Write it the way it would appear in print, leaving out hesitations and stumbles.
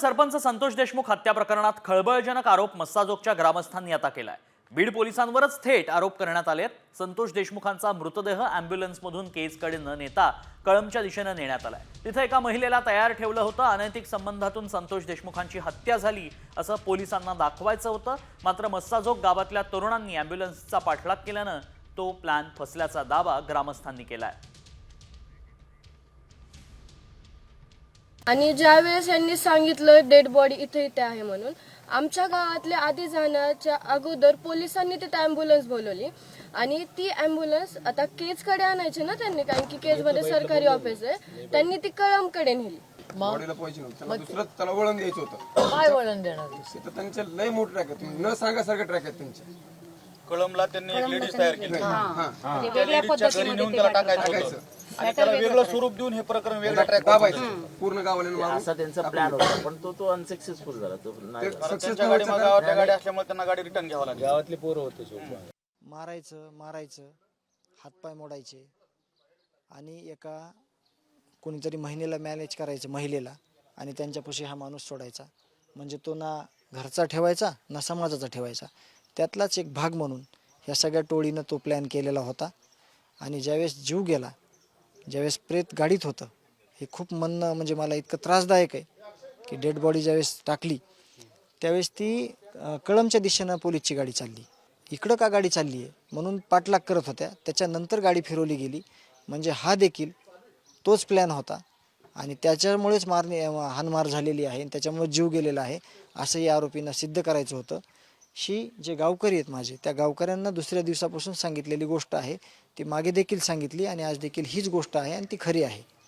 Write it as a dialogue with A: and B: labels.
A: सरपंच संतोष देशमुख हत्या प्रकरणात खळबळजनक आरोप मस्साजोगच्या ग्रामस्थांनी आता केलाय। बीड पोलिसांवरच थेट आरोप करण्यात आलेत। संतोष देशमुखांचा मृतदेह अँब्युलन्समधून केजकडे न नेता कळंबच्या दिशेने नेण्यात आलाय। तिथे एका महिलेला तयार ठेवलं होतं। अनैतिक संबंधातून संतोष देशमुखांची हत्या झाली असं पोलिसांना दाखवायचं होतं। मात्र मस्साजोग गावातल्या तरुणांनी अँब्युलन्सचा पाठलाग केल्यानं तो प्लॅन फसल्याचा दावा ग्रामस्थांनी केलाय।
B: आणि ज्यावेळेस यांनी सांगितलं डेड बॉडी इथे इथे आहे म्हणून आमच्या गावातल्या आधी जाण्याच्या अगोदर पोलिसांनी तिथे ॲम्ब्युलन्स बोलवली आणि ती ॲम्ब्युलन्स आता केजकडे आणायची ना त्यांनी, कारण की केजमध्ये सरकारी ऑफिस आहे, त्यांनी ती कळंबकडे नेली।
C: बॉडीला पाहिजे नव्हतं, दुसरं त्याला वळण द्यायचं होतं।
D: काय वळण देणार?
C: तर त्यांचे लय मोठे ट्रॅक आहेत, तुम्ही न सांगासारखे ट्रॅक आहेत त्यांचे।
E: कळंबला त्यांनी एक लेडीज तयार केली,
D: वेगळ्या पद्धतीने
E: त्याला टाकायचं होतं आणि त्याला वेगळं स्वरूप देऊन हे प्रकरण वेगळा ट्रॅक
C: दाबायचं पूर्ण गावाला
F: असा त्यांचा प्लॅन होता, पण तो अनसक्सेसफुल झाला। तो नाही
E: त्यांच्या गाडी गावातल्या गाडी असल्यामुळे त्यांना गाडी रिटर्न घ्यावं लागली।
F: गावातले पोरं होते,
G: मारायचं हातपाय मोडायचे आणि एका कोणीतरी महिलेला मॅनेज करायचं, महिलेला, आणि त्यांच्यापाशी हा माणूस सोडायचा। म्हणजे तो ना घरचा ठेवायचा ना समाजाचा ठेवायचा, त्यातलाच एक भाग म्हणून ह्या सगळ्या टोळीनं तो प्लॅन केलेला होता। आणि ज्यावेळेस जीव गेला, ज्यावेळेस प्रेत गाडीत होतं, हे खूप म्हणणं म्हणजे मला इतकं त्रासदायक आहे की डेड बॉडी ज्यावेळेस टाकली त्यावेळेस ती कळंबच्या दिशेनं पोलीसची गाडी चालली, इकडं का गाडी चालली आहे म्हणून पाठलाग करत होत्या। त्याच्यानंतर गाडी फिरवली गेली, म्हणजे हा देखील तोच प्लॅन होता आणि त्याच्यामुळेच हाणमार झालेली आहे, त्याच्यामुळे जीव गेलेला आहे असं या आरोपींना सिद्ध करायचं होतं। जे गावकरी आहेत माझे, त्या गावकऱ्यांना दुसऱ्या दिवसापासून सांगितलेली गोष्ट आहे, ती मागे देखील सांगितली आणि आज देखील हीच गोष्ट आहे आणि ती खरी आहे।